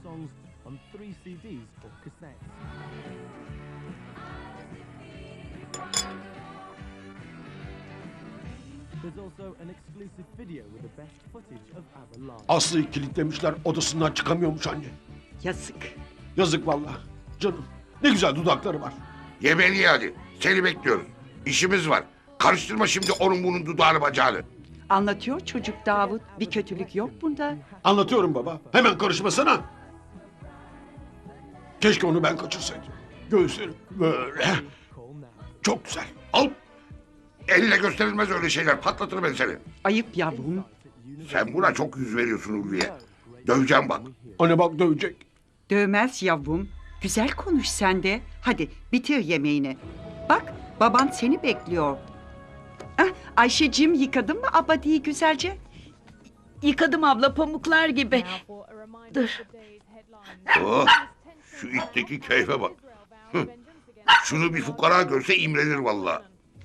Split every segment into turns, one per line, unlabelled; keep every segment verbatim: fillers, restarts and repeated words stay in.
songs on three C Ds or cassettes. There's also an exclusive video with the best footage of ABBA live.
Aslı'yı kilitlemişler, odasından çıkamıyormuş anne.
Yazık.
Yazık vallahi. Canım, ne güzel dudakları var.
Yemeğini ye hadi. Seni bekliyoruz. İşimiz var. Karıştırma şimdi onun bunun dudağını bacağını.
Anlatıyor çocuk Davut. Bir kötülük yok bunda.
Anlatıyorum baba. Hemen karışmasana. Keşke onu ben kaçırsaydım. Göğüslerim böyle. Çok güzel.
Al. Elle gösterilmez öyle şeyler. Patlatırım ben seni.
Ayıp yavrum.
Sen buna çok yüz veriyorsun Ulviye. Döveceğim bak.
Anne bak dövecek.
Dövmez yavrum. Güzel konuş sen de. Hadi bitir yemeğini. Bak baban seni bekliyor. Ah, Ayşeciğim yıkadın mı abadiyi güzelce?
Yıkadım abla pamuklar gibi. Dur.
Oh, şu itteki keyfe bak. Hı. Şunu bir fukara görse imrenir vallahi.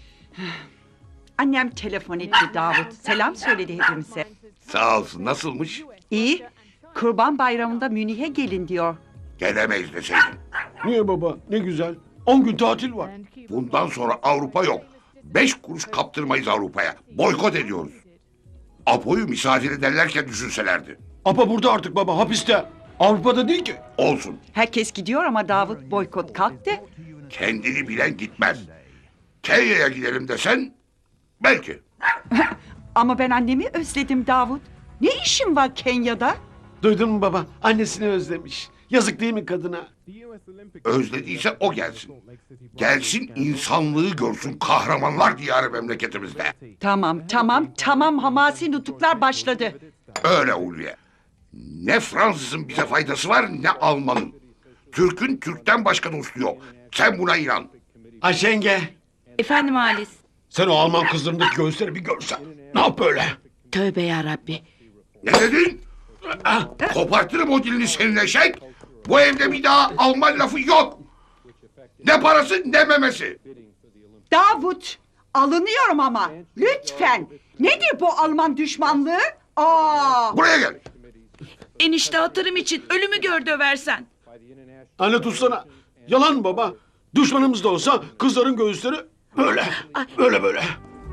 Annem telefon etti Davut. Selam söyledi hepimize.
Sağ olsun. Nasılmış?
İyi. Kurban bayramında Münih'e gelin diyor.
Gelemeyiz deseydin.
Niye baba? Ne güzel. On gün tatil var.
Bundan sonra Avrupa yok. Beş kuruş kaptırmayız Avrupa'ya. Boykot ediyoruz. Apo'yu misafir ederlerken düşünselerdi.
Apa burada artık baba, hapiste. Avrupa'da değil ki.
Olsun.
Herkes gidiyor ama Davut boykot kalktı.
Kendini bilen gitmez. Kenya'ya gidelim desen belki.
Ama ben annemi özledim Davut. Ne işin var Kenya'da?
Duydun mu baba? Annesini özlemiş. Yazık değil mi kadına?
Özlediyse o gelsin. Gelsin insanlığı görsün kahramanlar diyarı memleketimizde.
Tamam tamam tamam hamasi nutuklar başladı.
Öyle Ulviye. Ne Fransız'ın bize faydası var ne Alman'ın. Türk'ün Türk'ten başka dostu yok. Sen buna inan.
Ayşe yenge.
Efendim Halis.
Sen o Alman kızlarındaki göğüsleri bir görsen. Ne yap böyle?
Tövbe yarabbi.
Ne dedin? Ah, kopartırım o dilini senin eşek. Bu evde bir daha Alman lafı yok. Ne parası ne memesi.
Davut alınıyorum ama lütfen. Nedir bu Alman düşmanlığı? Aa!
Buraya gel.
Enişte hatırım için ölümü gör döversen.
Anne tutsana. Yalan mı baba? Düşmanımız da olsa kızların göğüsleri böyle. Böyle böyle.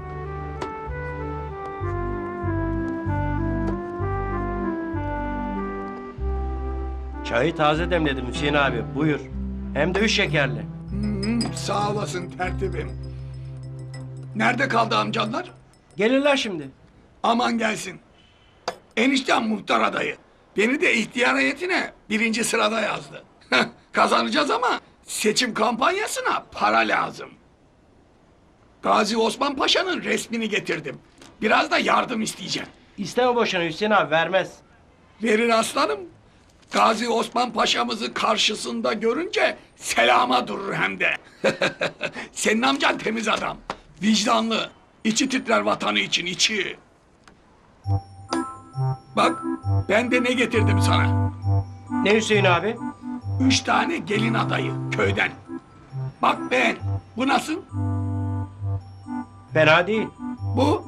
Çayı taze demledim Hüseyin abi. Buyur. Hem de üç şekerli.
Sağ olasın tertibim. Nerede kaldı amcanlar?
Gelirler şimdi.
Aman gelsin. Eniştem muhtar adayı. Beni de ihtiyar heyetine birinci sırada yazdı. Kazanacağız ama seçim kampanyasına para lazım. Gazi Osman Paşa'nın resmini getirdim. Biraz da yardım isteyeceğim.
İsteme boşuna Hüseyin abi, vermez.
Verir aslanım. Gazi Osman Paşa'mızı karşısında görünce selama durur hem de. Senin amcan temiz adam. Vicdanlı. İçi titrer vatanı için içi. Bak ben de ne getirdim sana.
Ne Hüseyin abi?
Üç tane gelin adayı köyden. Bak ben. Bu nasıl?
Fena değil.
Bu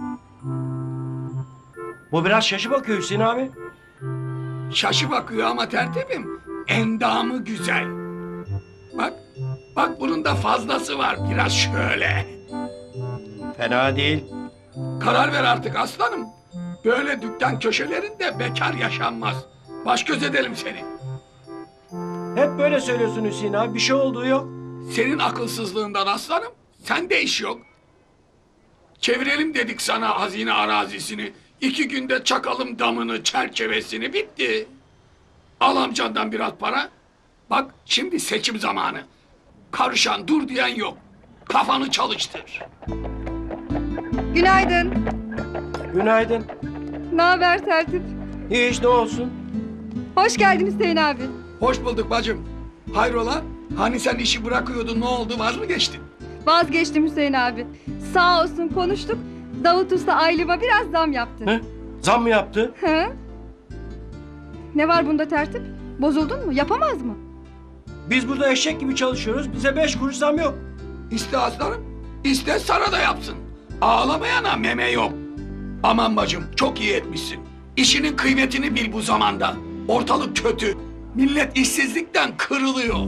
Bu biraz şaşı bakıyor Hüseyin abi.
şaşı bakıyor ama tertibim. Endamı güzel. Bak. Bak bunun da fazlası var. Biraz şöyle.
Fena değil.
Karar ver artık aslanım. Böyle dükkan köşelerinde bekar yaşanmaz. Baş göz edelim seni.
Hep böyle söylüyorsun Hüseyin abi. Bir şey olduğu yok.
Senin akılsızlığından aslanım. Sende iş yok. Çevirelim dedik sana hazine arazisini. İki günde çakalım damını, çerçevesini, bitti. Al amcandan biraz para. Bak şimdi seçim zamanı. Karışan dur diyen yok. Kafanı çalıştır.
Günaydın.
Günaydın.
Ne haber tertip?
Hiç ne olsun.
Hoş geldin Hüseyin abi.
Hoş bulduk bacım. Hayrola? Hani sen işi bırakıyordun, ne oldu, vaz mı geçtin?
Vazgeçtim Hüseyin abi. Sağ olsun konuştuk. Davut Usta aylığıma biraz zam yaptı.
He? Zam mı yaptı?
Hı? Ne var bunda tertip? Bozuldun mu? Yapamaz mı?
Biz burada eşek gibi çalışıyoruz. Bize beş kuruş zam yok.
İste aslanım, iste sana da yapsın. Ağlamayana meme yok. Aman bacım, çok iyi etmişsin. İşinin kıymetini bil bu zamanda. Ortalık kötü. Millet işsizlikten kırılıyor.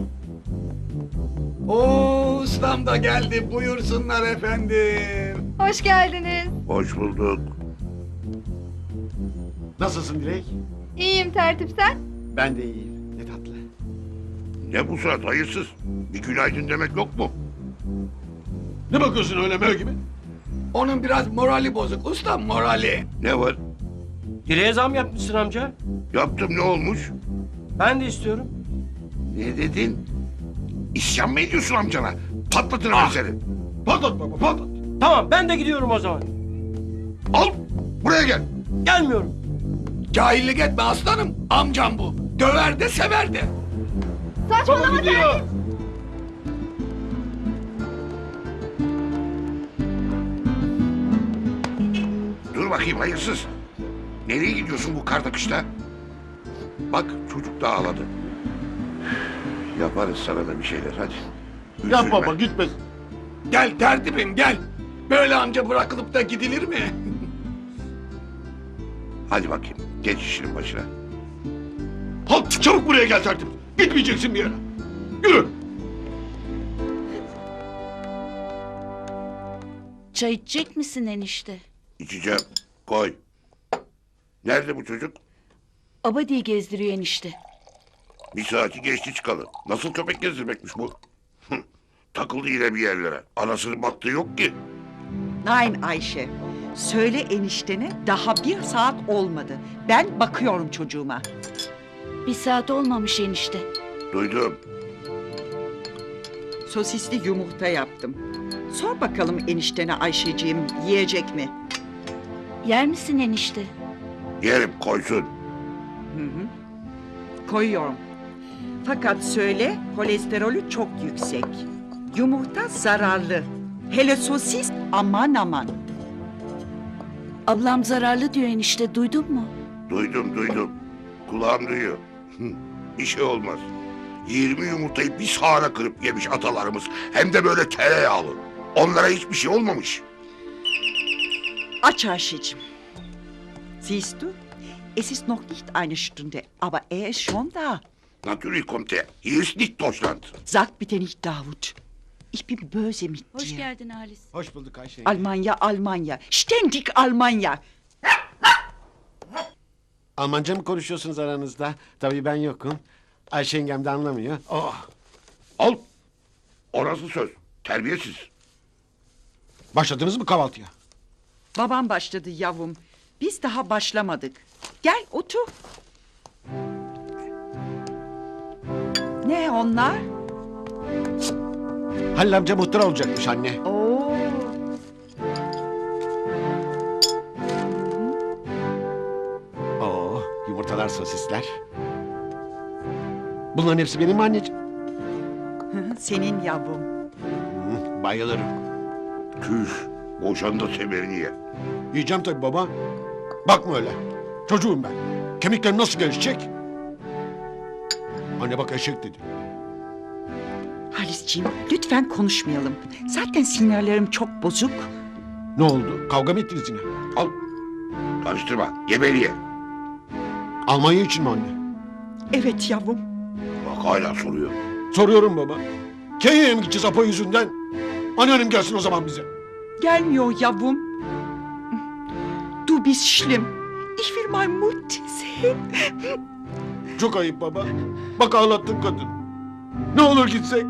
Oo, ustam da geldi. Buyursunlar efendim.
Hoş geldiniz.
Hoş bulduk.
Nasılsın Dilek?
İyiyim Tertip, sen?
Ben de iyiyim. Ne tatlı.
Ne bu surat hayırsız? Bir günaydın demek yok mu?
Ne bakıyorsun öyle mö gibi?
Onun biraz morali bozuk ustam, morali.
Ne var?
Direğe zam yapmışsın amca.
Yaptım, ne olmuş?
Ben de istiyorum.
Ne dedin? İsyan mı ediyorsun amcana? Patlatırım
Ah!
ben seni.
Patlat baba patlat.
Tamam ben de gidiyorum o zaman.
Al, buraya gel.
Gelmiyorum.
Cahillik etme aslanım. Amcam bu. Döver de sever de.
Saçmalama
Baba gidiyor.
Tertip.
Dur bakayım hayırsız. Nereye gidiyorsun bu karda kışta? Bak çocuk da ağladı. Yaparız sana da bir şeyler hadi.
Yap
Üzülme.
baba gitme.
Gel tertibim gel. Böyle amca bırakılıp da gidilir mi?
Hadi bakayım geç işinin başına.
Halt çabuk buraya gel tertip. Gitmeyeceksin bir yere. Yürü.
Çay içecek misin enişte?
İçeceğim. Koy. Nerede bu çocuk?
Abadi'yi gezdiriyor enişte.
Bir saati geçti çıkalı. Nasıl köpek gezdirmekmiş bu? Hı, takıldı yine bir yerlere. Anasının baktığı yok ki.
Nein Ayşe. Söyle eniştene daha bir saat olmadı. Ben bakıyorum çocuğuma.
Bir saat olmamış enişte.
Duydum.
Sosisli yumurta yaptım. Sor bakalım eniştene Ayşeciğim yiyecek mi?
Yer misin enişte?
Yerim koysun.
Hı hı. Koyuyorum. Fakat söyle kolesterolü çok yüksek. Yumurta zararlı. Hele sosis aman aman.
Ablam zararlı diyor enişte, duydun mu?
Duydum duydum. Kulağım duyuyor. Hı, bir şey olmaz. Yirmi yumurtayı bir sahara kırıp yemiş atalarımız. Hem de böyle tereyağlı. Onlara hiçbir şey olmamış.
Aç Ayşeciğim. Siehst du? Es ist noch nicht eine Stunde, aber er ist schon da.
Natürlich kommt er. Hier ist nicht Deutschland.
Sag bitte nicht Davut. Ich bin böse mit
Hoş
dir.
geldin Halis.
Hoş bulduk Ayşe.
Almanya, Almanya. Ständig Almanya.
Almanca mı konuşuyorsunuz aranızda? Tabii ben yokum. Ayşe yengem de anlamıyor. Oh.
Al. Orası söz. Terbiyesiz.
Başladınız mı kahvaltıya?
Babam başladı yavrum. Biz daha başlamadık. Gel otur. Ne onlar?
Halil amca muhtar olacakmış anne.
Oo.
Oo, yumurtalar, sosisler. Bunların hepsi benim mi anneciğim?
Senin yavrum.
Hı, bayılırım.
Tüh. Boşan da semerini ye.
Yiyeceğim tabii baba. Bakma öyle. Çocuğum ben. Kemiklerim nasıl gelişecek? Anne bak eşek dedi.
Halisciğim lütfen konuşmayalım. Zaten sinirlerim çok bozuk.
Ne oldu? Kavga mı ettiniz yine?
Al. Karıştırma. Ye beni ye.
Almanya için mi anne?
Evet yavrum.
Bak hala soruyor.
Soruyorum baba. Kenya'ya mı gideceğiz Apo yüzünden? Anneannem gelsin o zaman bize.
Gelmiyor yavrum. Du bist schlimm. Ich will mein Mutti sehen.
Çok ayıp baba. Bak ağlattın kadın. Ne olur gitsek.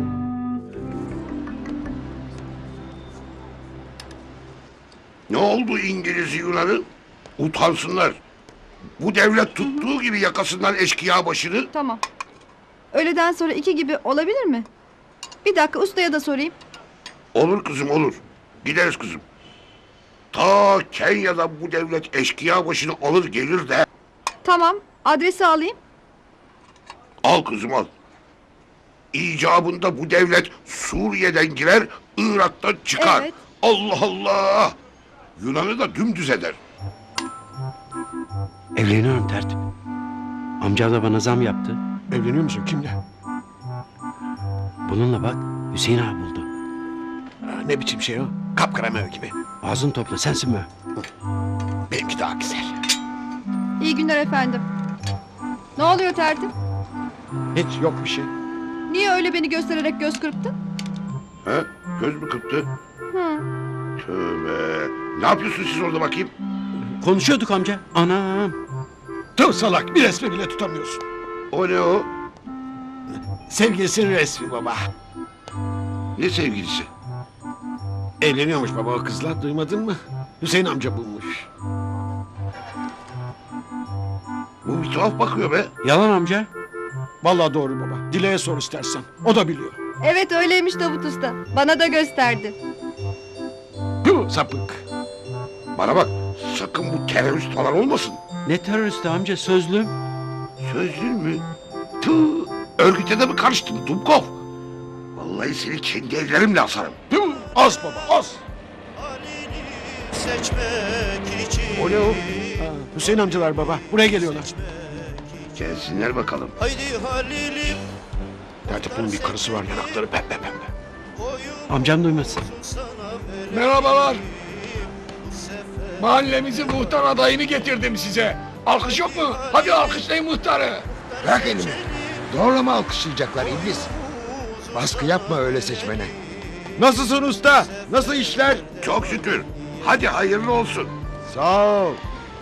Ne oldu İngiliz Yunan'ı? Utansınlar. Bu devlet tuttuğu gibi yakasından eşkıya başını.
Tamam. Öğleden sonra iki gibi olabilir mi? Bir dakika ustaya da sorayım.
Olur kızım olur. Gideriz kızım. Ta Kenya'da bu devlet eşkıya başını alır gelir de.
Tamam, adresi alayım.
Al kızım al. İcabında bu devlet Suriye'den girer, Irak'tan çıkar.
Evet.
Allah Allah! Yunan'ı da dümdüz eder.
Evleniyorum tertip. Amcam da bana zam yaptı.
Evleniyor musun? Kimle?
Bununla bak Hüseyin abi buldu.
Ha, ne biçim şey o? Kapkara mö gibi.
Ağzını topla sensin mi?
Benimki daha güzel.
İyi günler efendim. Ne oluyor tertip?
Hiç yok bir şey.
Niye öyle beni göstererek göz kırptın?
He? Göz mü kırptı?
Hı.
Tövbe. Ne yapıyorsun siz orada bakayım?
Konuşuyorduk amca. Anam.
Tüh salak, bir resmi bile tutamıyorsun.
O ne o?
Sevgilisinin resmi baba.
Ne sevgilisi?
Evleniyormuş baba o kızla, duymadın mı? Hüseyin amca bulmuş.
Bu bir tuhaf bakıyor be.
Yalan amca.
Vallahi doğru baba. Dile'ye sor istersen. O da biliyor.
Evet öyleymiş Davut Usta. Bana da gösterdi.
Tüh sapık.
Bana bak, sakın bu terörist falan olmasın.
Ne teröristi amca, sözlüm.
Sözlün mü? Tüh, örgüte de mi karıştın Dumkov? Vallahi seni kendi ellerimle asarım.
Tüh, az baba az.
O ne o?
Ha, Hüseyin amcalar baba. Buraya geliyorlar.
Gelsinler bakalım.
Tertip'in bir karısı var, yanakları pembe pembe.
Amcam duymasın.
Merhabalar. Mahallemizin muhtar adayını getirdim size. Alkış yok mu? Hadi alkışlayın muhtarı.
Bırak elimi. Doğru mu alkışlayacaklar iblis? Baskı yapma öyle seçmene. Nasılsın usta? Nasıl işler?
Çok şükür. Hadi hayırlı olsun.
Sağ ol.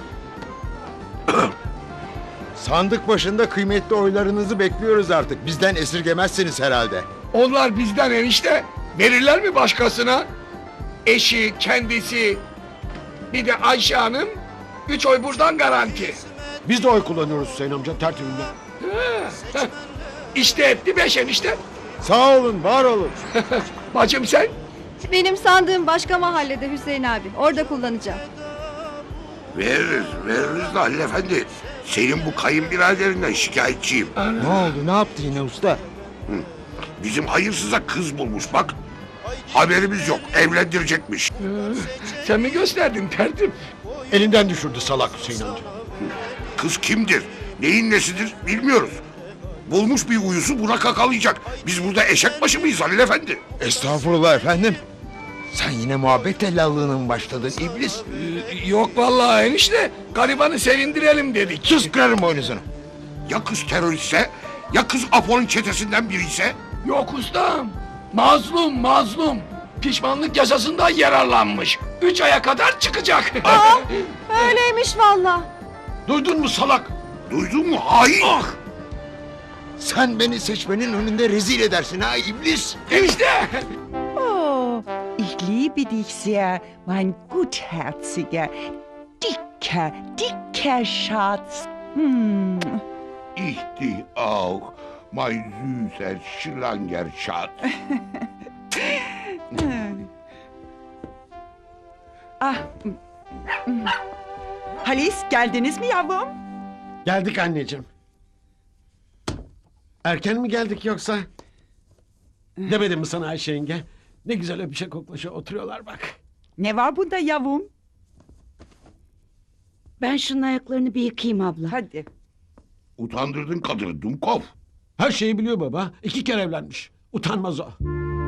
Sandık başında kıymetli oylarınızı bekliyoruz artık. Bizden esirgemezsiniz herhalde.
Onlar bizden enişte. Verirler mi başkasına? Eşi, kendisi, bir de Ayşe Hanım. Üç oy buradan garanti.
Biz de oy kullanıyoruz Hüseyin amca tertibinde.
Heh. İşte etti beş enişte.
Sağ olun, var olun.
Bacım sen?
Benim sandığım başka mahallede Hüseyin abi. Orada kullanacağım.
Veririz, veririz de Halil Efendi. Senin bu kayınbiraderinden şikayetçiyim.
Ne oldu, ne yaptı yine usta?
Bizim hayırsıza kız bulmuş bak. Haberimiz yok, evlendirecekmiş.
Sen mi gösterdin tertip?
Elinden düşürdü salak Hüseyin amca.
Kız kimdir, neyin nesidir bilmiyoruz. Bulmuş bir uyusu buna kakalayacak. Biz burada eşek başı mıyız Halil Efendi?
Estağfurullah efendim. Sen yine muhabbet tellallığına mı başladın iblis?
Ee, Yok vallahi enişte. Garibanı sevindirelim dedik.
Sus, kırarım boynuzunu.
Ya kız teröristse, ya kız Apo'nun çetesinden biri ise?
Yok ustam. Mazlum mazlum. Pişmanlık yasasından yararlanmış. Üç aya kadar çıkacak.
Öyleymiş valla.
Duydun mu salak?
Duydun mu hain?
Sen beni seçmenin önünde rezil edersin ha iblis.
Enişte.
Oh, ich liebe dich sehr, mein gutherziger, dicker, dicker Schatz. Hmm.
Ich dich auch, mein süßer Schlangerschatz.
Ah. hmm. Halis, geldiniz mi yavrum?
Geldik anneciğim. Erken mi geldik yoksa? Demedim mi sana Ayşe yenge? Ne güzel öpüşe koklaşa oturuyorlar bak.
Ne var bunda yavrum?
Ben şunun ayaklarını bir yıkayayım abla.
Hadi.
Utandırdın kadını Dumkov.
Her şeyi biliyor baba. İki kere evlenmiş. Utanmaz o.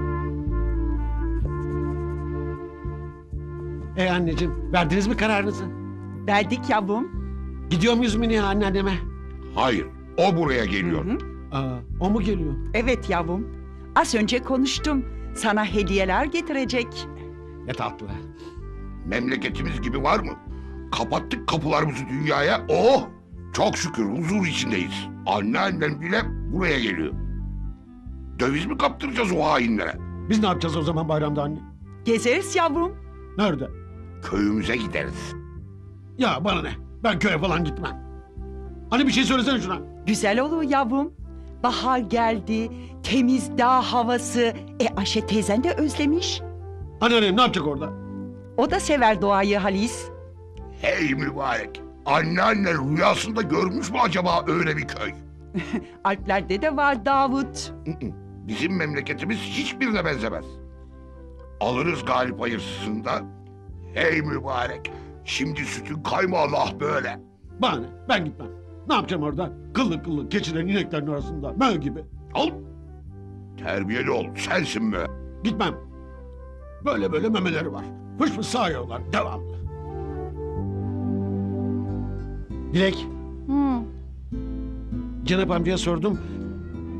E anneciğim, verdiniz mi kararınızı?
Verdik yavrum.
Gidiyor muyuz Mine anneanneme?
Hayır, o buraya geliyor.
Hı hı.
Aa, o mu geliyor?
Evet yavrum. Az önce konuştum. Sana hediyeler getirecek.
Ne tatlı.
Memleketimiz gibi var mı? Kapattık kapılarımızı dünyaya. Oh! Çok şükür huzur içindeyiz. Anneannem bile buraya geliyor. Döviz mi kaptıracağız o hainlere?
Biz ne yapacağız o zaman bayramda anne?
Gezeriz yavrum.
Nerede?
Köyümüze gideriz.
Ya bana ne? Ben köye falan gitmem. Hani bir şey söylesene şuna.
Güzel olur yavrum. Bahar geldi. Temiz dağ havası. E Ayşe teyzen de özlemiş.
Anneannem ne yapacak orada?
O da sever doğayı Halis.
Hey mübarek! Anneanne rüyasında görmüş mü acaba öyle bir köy?
Alplerde de var Davut.
Bizim memleketimiz hiçbirine benzemez. Alırız galip hayırsızında. Hey mübarek! Şimdi sütün kaymağını ah böyle.
Bana ne? Ben gitmem. Ne yapacağım orada? Kıllı kıllı keçilerin ineklerin arasında. Mö gibi.
Al! Terbiyeli ol, sensin mi?
Gitmem. Böyle böyle memeleri var. Fış fış sağıyorlar devamlı. Dilek,
Hı.
Cenap amcaya sordum.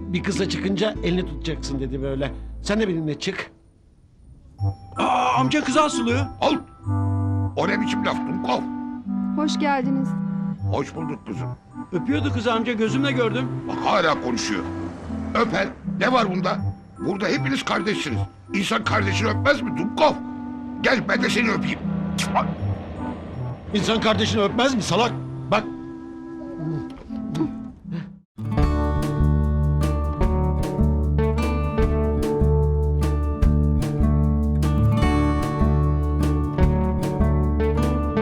bir kızla çıkınca elini tutacaksın dedi böyle. Sen de benimle çık.
Aa, amca kızı asılıyor.
Al. O ne biçim laf Dumkov?
Hoş geldiniz.
Hoş bulduk kızım.
Öpüyordu kızı amca, gözümle gördüm.
Bak hala konuşuyor. Öper. Ne var bunda? Burada hepiniz kardeşsiniz. İnsan kardeşini öpmez mi Dumkov? Gel ben de seni öpeyim.
İnsan kardeşini öpmez mi salak? Bak